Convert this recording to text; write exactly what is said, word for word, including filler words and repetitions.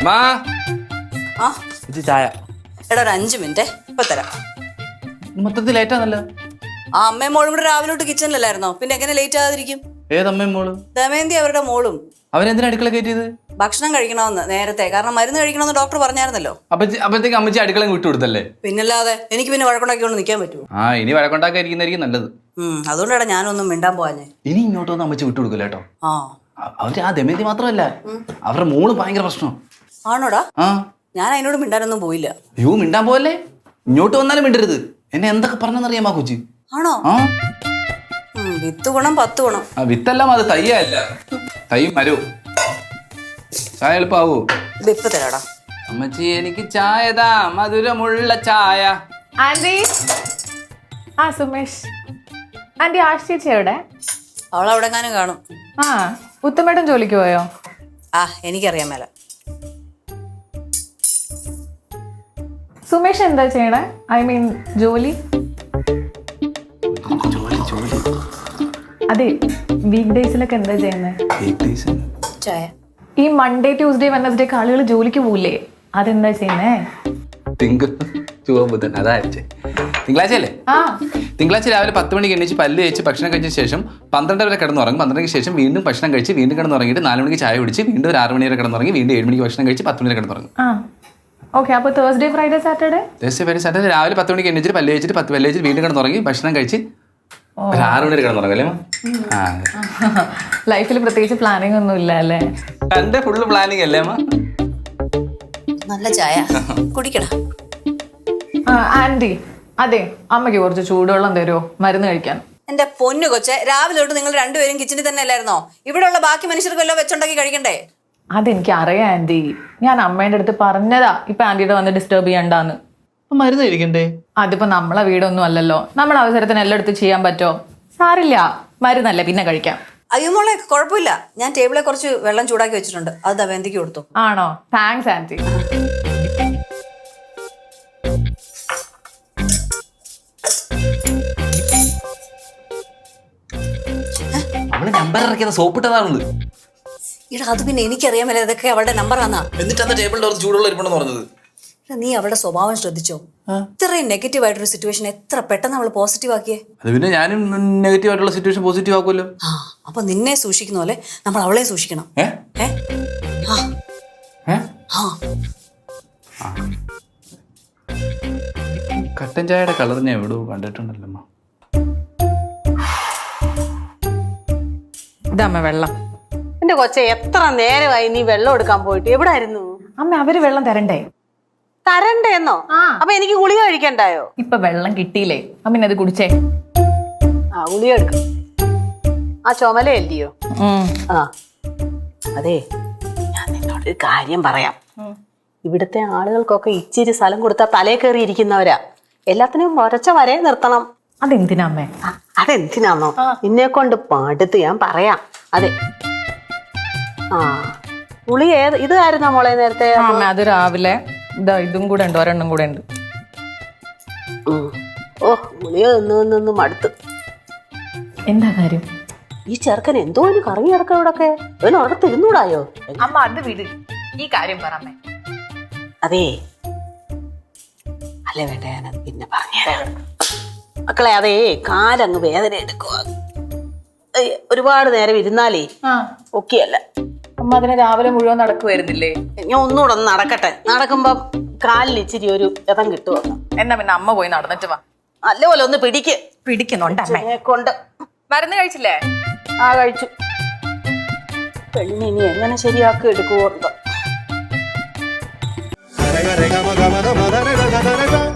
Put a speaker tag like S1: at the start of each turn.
S1: അമ്മാ
S2: ആ
S1: ഇത് ചായ.
S2: എടാ ഒരു അഞ്ചു മിനിറ്റ് ഇപ്പൊ തരാം.
S1: മൊത്തത്തിൽ ലേറ്റാന്നല്ലോ.
S2: ആ അമ്മയും മോളും കൂടെ രാവിലെ തൊട്ട് കിച്ചണിലല്ലായിരുന്നോ? പിന്നെ എങ്ങനെ ലേറ്റ് ആകാതിരിക്കും?
S1: ഏതമ്മയും മോള്?
S2: ദമയന്തി അവരുടെ മോളും.
S1: അവരെന്തിനാ അടുക്കള കയറ്റിയത്?
S2: ഭക്ഷണം കഴിക്കണമെന്ന് നേരത്തെ, കാരണം മരുന്ന് കഴിക്കണമെന്ന് ഡോക്ടർ പറഞ്ഞായിരുന്നല്ലോ.
S1: അപ്പച്ചി അപ്പഴത്തേക്ക് അമ്മച്ചി അടുക്കള വിട്ടു കൊടുത്തല്ലേ?
S2: പിന്നല്ലാതെ എനിക്ക് പിന്നെ വഴക്കുണ്ടാക്കിക്കൊണ്ട് നിൽക്കാൻ പറ്റുമോ?
S1: ആ ഇനി വഴക്കുണ്ടാക്കായിരിക്കുന്നതായിരിക്കും നല്ലത്.
S2: ഉം അതുകൊണ്ടാണ് ഞാനൊന്നും മിണ്ടാൻ പോവാഞ്ഞേ.
S1: ഇനി ഇങ്ങോട്ട് വന്ന് അമ്മച്ചി വിട്ടു കൊടുക്കില്ല കേട്ടോ.
S2: ആ
S1: അവര് ആ ദമയന്തി മാത്രമല്ല, അവരുടെ മോള് ഭയങ്കര പ്രശ്നം.
S2: ആണോടാ?
S1: ആ
S2: ഞാൻ അതിനോട് മിണ്ടാനൊന്നും പോയില്ല.
S1: അയ്യോ മിണ്ടാൻ പോവല്ലേ, ഇങ്ങോട്ട് വന്നാലും മിണ്ടരുത്. എന്നെ എന്തൊക്കെ പറഞ്ഞെന്നറിയാമോ കൊച്ചി?
S2: ആണോ?
S1: ആ
S2: വിത്ത് ഗുണം പത്ത് ഗുണം.
S1: ആ വിത്തെല്ലാം അത് തയ്യല്ല, തൈ മരവും. ചായ എളുപ്പാവൂ?
S2: ഇത് ഇപ്പൊ തരാടാ.
S1: അമ്മച്ചി എനിക്ക് ചായതാ, മധുരമുള്ള ചായ.
S3: ആന്റി, ആ സുമേഷ് ആന്റി, ആശ് ചേച്ചി എവിടെ?
S2: അവളെവിടെങ്ങാനും കാണും.
S3: ആ ഉത്തമേട്ടൻ ജോലിക്ക് പോയോ?
S2: ആ എനിക്കറിയാൻ മേല.
S3: സുമേഷ് എന്താ ചെയ്യണേ? ഐ മീൻ ജോലി. അതെ, വീക്ക് ഡേയ്സിലൊക്കെ എന്താ ചെയ്യുന്നത്?
S2: ചായ.
S3: ഈ മൺഡേ ട്യൂസ്ഡേ വെനസ്ഡേ ആളുകൾ ജോലിക്ക് പോവില്ലേ, അതെന്താ ചെയ്യുന്നേ?
S1: തിങ്കൾ ചുവ ബുധൻ അതായത് തിങ്കളാഴ്ച അല്ലേ?
S3: ആ
S1: തിങ്കളാഴ്ച രാവിലെ പത്ത് മണിക്ക് എണീച്ച് പല്ല് കഴിച്ച് ഭക്ഷണം കഴിച്ച ശേഷം പന്ത്രണ്ട് വരെ കിടന്നുറങ്ങും. പന്ത്രണ്ടിന് ശേഷം വീണ്ടും ഭക്ഷണം കഴിച്ച് വീണ്ടും കിടന്നുറങ്ങിയിട്ട് നാല് മണിക്ക് ചായ കുടിച്ച് വീണ്ടും ഒരു ആറ് മണി വരെ കിടന്നുറങ്ങി വീണ്ടും ഏഴ് മണിക്ക് ഭക്ഷണം കഴിച്ച് പത്ത് മണി വരെ കിടന്നുറങ്ങും.
S3: ആ ഓക്കെ. അപ്പോൾ Thursday Friday Saturday?
S1: Thursday Friday Saturday രാവിലെ പത്ത് മണിക്ക് എണീച്ചിട്ട് പല്ല് കഴിച്ചിട്ട് പത്ത് പല്ല് കഴിച്ചിട്ട് വീണ്ടും കിടന്നുറങ്ങി ഭക്ഷണം കഴിച്ച് ഒരു ആറ് മണി വരെ കിടന്നുറങ്ങും അല്ലേ? ആ
S3: ലൈഫിൽ പ്രത്യേകിച്ച് പ്ലാനിങ് ഒന്നും ഇല്ല അല്ലേ?
S1: എന്റെ ഫുള്ള് പ്ലാനിങ് അല്ലേ അമ്മ?
S2: നല്ല ചായ കുടിക്കടാ.
S3: ആന്റി, അതെ അമ്മയ്ക്ക് കുറച്ച് ചൂടുവെള്ളം തരുമോ മരുന്ന് കഴിക്കാൻ?
S2: എന്റെ പൊന്നു കൊച്ചെ, രാവിലെ തൊട്ട് നിങ്ങൾ രണ്ടുപേരും കിച്ചണിൽ തന്നെ അല്ലായിരുന്നോ? ഇവിടെയുള്ള ബാക്കി മനുഷ്യർക്ക് വല്ലതും വെച്ചുണ്ടാക്കി കഴിക്കണ്ടേ?
S3: അതെനിക്ക് അറിയാം ആന്റി, ഞാൻ അമ്മേന്റെ അടുത്ത് പറഞ്ഞതാ ഇപ്പൊ ആന്റിയുടെ വന്ന് ഡിസ്റ്റർബ് ചെയ്യണ്ടാന്ന്.
S1: മരുന്ന് കഴിക്കണ്ടേ?
S3: അതിപ്പോ നമ്മളെ വീടൊന്നും അല്ലല്ലോ, നമ്മളെ അവസരത്തിന് എല്ലായിടത്തും ചെയ്യാൻ പറ്റോ? സാരില്ല, മരുന്നല്ലേ പിന്നെ കഴിക്കാം.
S2: അയ്യോ മോളെ കുഴപ്പമില്ല, ഞാൻ ടേബിളിൽ കുറച്ച് വെള്ളം ചൂടാക്കി വെച്ചിട്ടുണ്ട്, അത് ദമയന്തിക്ക് കൊടുത്തു.
S3: ആണോ? Thanks anti.
S1: അവള് നമ്പർ ഇറക്കിയത് സോപ്പിട്ടതാണത്.
S2: ഇടാ അത് പിന്നെ എനിക്കറിയാൻ മേലെ ഇതൊക്കെ അവളുടെ നമ്പറാന്നാ.
S1: എന്നിട്ട് അന്ന് ടേബിളിന്റെ ചൂടുള്ള ഇരിപ്പുണ്ടെന്ന് പറഞ്ഞത്.
S2: നീ അവളുടെ സ്വഭാവം ശ്രദ്ധിച്ചോ? ഇത്രയും നെഗറ്റീവ് ആയിട്ടൊരു സിറ്റുവേഷൻ എത്ര പെട്ടെന്ന് അവൾ പോസിറ്റീവ് ആക്കിയേ.
S1: അത് പിന്നെ ഞാനും നെഗറ്റീവ് ആയിട്ടുള്ള സിറ്റുവേഷൻ പോസിറ്റീവ് ആക്കുമല്ലോ.
S2: ആ അപ്പൊ നിന്നെ സൂക്ഷിക്കുന്ന പോലെ നമ്മൾ അവളെ സൂക്ഷിക്കണം.
S1: ഏ?
S2: ഏ? ആ.
S1: ഏ?
S2: ആ.
S1: കട്ടൻ ചായയുടെ കളർ ഞാൻ എവിടെയോ കണ്ടിട്ടുണ്ടല്ലോ.
S3: ഇതമ്മ വെള്ളം.
S4: എന്റെ കൊച്ചെ, എത്ര നേരമായി നീ വെള്ളം എടുക്കാൻ പോയിട്ട്? എവിടെ ആയിരുന്നു
S3: അമ്മ? അവര് വെള്ളം തരണ്ടേ?
S4: തരണ്ടേന്നോ? അപ്പൊ എനിക്ക് ഗുളിക കഴിക്കണ്ടായോ?
S3: ഇപ്പൊ വെള്ളം കിട്ടിയില്ലേ, അമ്മ അത് കുടിച്ചേ.
S4: ആ ഗുളിക എടുക്കും. ആ ചുമലയല്ലയോ? ആ അതെ, ഞാൻ നിന്നോടൊരു കാര്യം പറയാം. ഇവിടുത്തെ ആളുകൾക്കൊക്കെ ഇച്ചിരി സ്ഥലം കൊടുത്താൽ തലേ കയറി ഇരിക്കുന്നവരാ. എല്ലാത്തിനും ഒരച്ച വരെ നിർത്തണം.
S3: അതെന്തിനാ അമ്മേ?
S4: അതെന്തിനാന്നോ? നിന്നെ കൊണ്ട് പാടത്ത് ഞാൻ പറയാം. അതെ. ആ ഗുളിക ഏത് ഇതായിരുന്നോ മോളെ നേരത്തെ?
S3: അമ്മ അത് രാവിലെ ഇതാ ഇതും കൂടെ ഉണ്ട്, ഒരെണ്ണം കൂടെ ഉണ്ട്.
S4: ഓ ഗുളിക നിന്ന് നിന്ന് മടുത്ത്.
S3: എന്താ കാര്യം?
S4: ഈ ചെറുക്കൻ എന്തോ ഒരു കറങ്ങി കിടക്ക ഇവിടൊക്കെ. അവന് അവിടെ തിരുന്നൂടായോ?
S3: അമ്മ അത് വിട്, ഈ കാര്യം പറ അമ്മേ.
S4: അതേ അല്ലേ വേണ്ട, ഞാനത് പിന്നെ പറഞ്ഞുതരാം മക്കളെ. അതേ കാലങ്ങ് വേദന എടുക്കുക. ഒരുപാട് നേരം ഇരുന്നാലേ ഒക്കെയല്ല.
S3: അമ്മ അതിനെ രാവിലെ മുഴുവൻ നടക്കുവായിരുന്നില്ലേ?
S4: ഞാൻ ഒന്നുകൂടെ ഒന്ന് നടക്കട്ടെ. നടക്കുമ്പം കാലിൽ ഇച്ചിരി ഒരു ഇതം കിട്ടുമോ?
S3: എന്നാ പിന്നെ അമ്മ പോയി നടന്നിട്ട് വാ.
S4: നല്ലപോലെ ഒന്ന് പിടിക്ക്.
S3: പിടിക്കുന്നുണ്ട് അമ്മ.
S4: കൊണ്ട്
S3: മരുന്ന് കഴിച്ചില്ലേ?
S4: ആ കഴിച്ചു. പെണ്ണിനി ഇനി എങ്ങനെ ശരിയാക്കി എടുക്കുമോ?